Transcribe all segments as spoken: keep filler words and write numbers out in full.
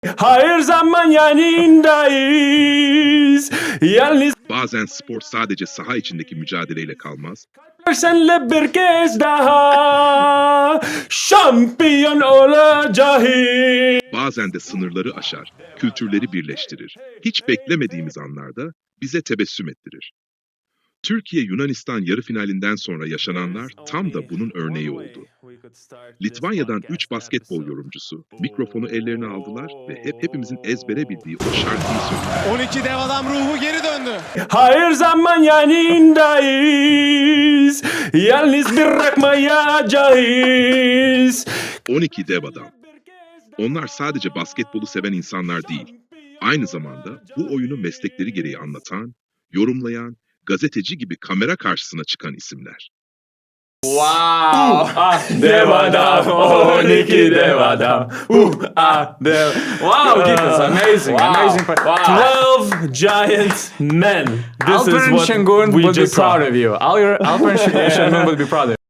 Her zaman yanındayız. Yalnız Bazen spor sadece saha içindeki mücadeleyle kalmaz, senle bir kez daha şampiyon olacağız. bazen de sınırları aşar, kültürleri birleştirir. Hiç beklemediğimiz anlarda bize tebessüm ettirir. Türkiye-Yunanistan yarı finalinden sonra yaşananlar tam da bunun örneği oldu. Litvanya'dan üç basketbol yorumcusu mikrofonu ellerine aldılar ve hep hepimizin ezbere bildiği o şarkıyı söylediler. on iki dev adam ruhu geri döndü. Her zaman yanındayız. Yalnız bırakmayacağız. on iki dev adam. Onlar sadece basketbolu seven insanlar değil, aynı zamanda bu oyunu meslekleri gereği anlatan, yorumlayan, gazeteci gibi kamera karşısına çıkan isimler. Wow. Ah, dev adam. on iki dev adam. Uh, ah, dev. Wow, Gitas, amazing, Wow. amazing. twelve giant men. This is Alperen what Şengün we will be just saw. proud of you. Alper- Alperen Şengün will be proud of you.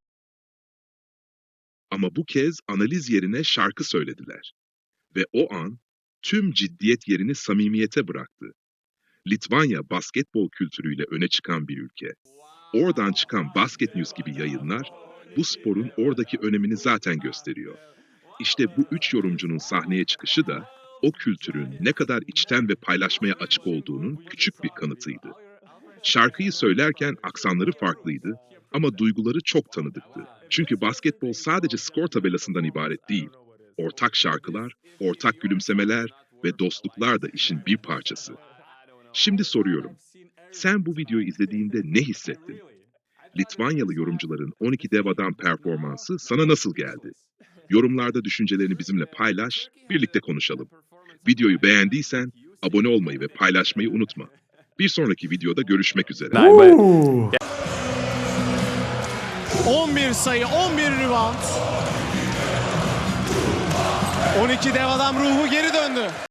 Ama bu kez analiz yerine şarkı söylediler. Ve o an tüm ciddiyet yerini samimiyete bıraktı. Litvanya basketbol kültürüyle öne çıkan bir ülke. Oradan çıkan Basket News gibi yayınlar bu sporun oradaki önemini zaten gösteriyor. İşte bu üç yorumcunun sahneye çıkışı da o kültürün ne kadar içten ve paylaşmaya açık olduğunun küçük bir kanıtıydı. Şarkıyı söylerken aksanları farklıydı ama duyguları çok tanıdıktı. Çünkü basketbol sadece skor tabelasından ibaret değil. Ortak şarkılar, ortak gülümsemeler ve dostluklar da işin bir parçası. Şimdi soruyorum, sen bu videoyu izlediğinde ne hissettin? Litvanyalı yorumcuların on iki dev adam performansı sana nasıl geldi? Yorumlarda düşüncelerini bizimle paylaş, birlikte konuşalım. Videoyu beğendiysen abone olmayı ve paylaşmayı unutma. Bir sonraki videoda görüşmek üzere. on bir sayı, on bir rebound. on iki dev adam ruhu geri döndü.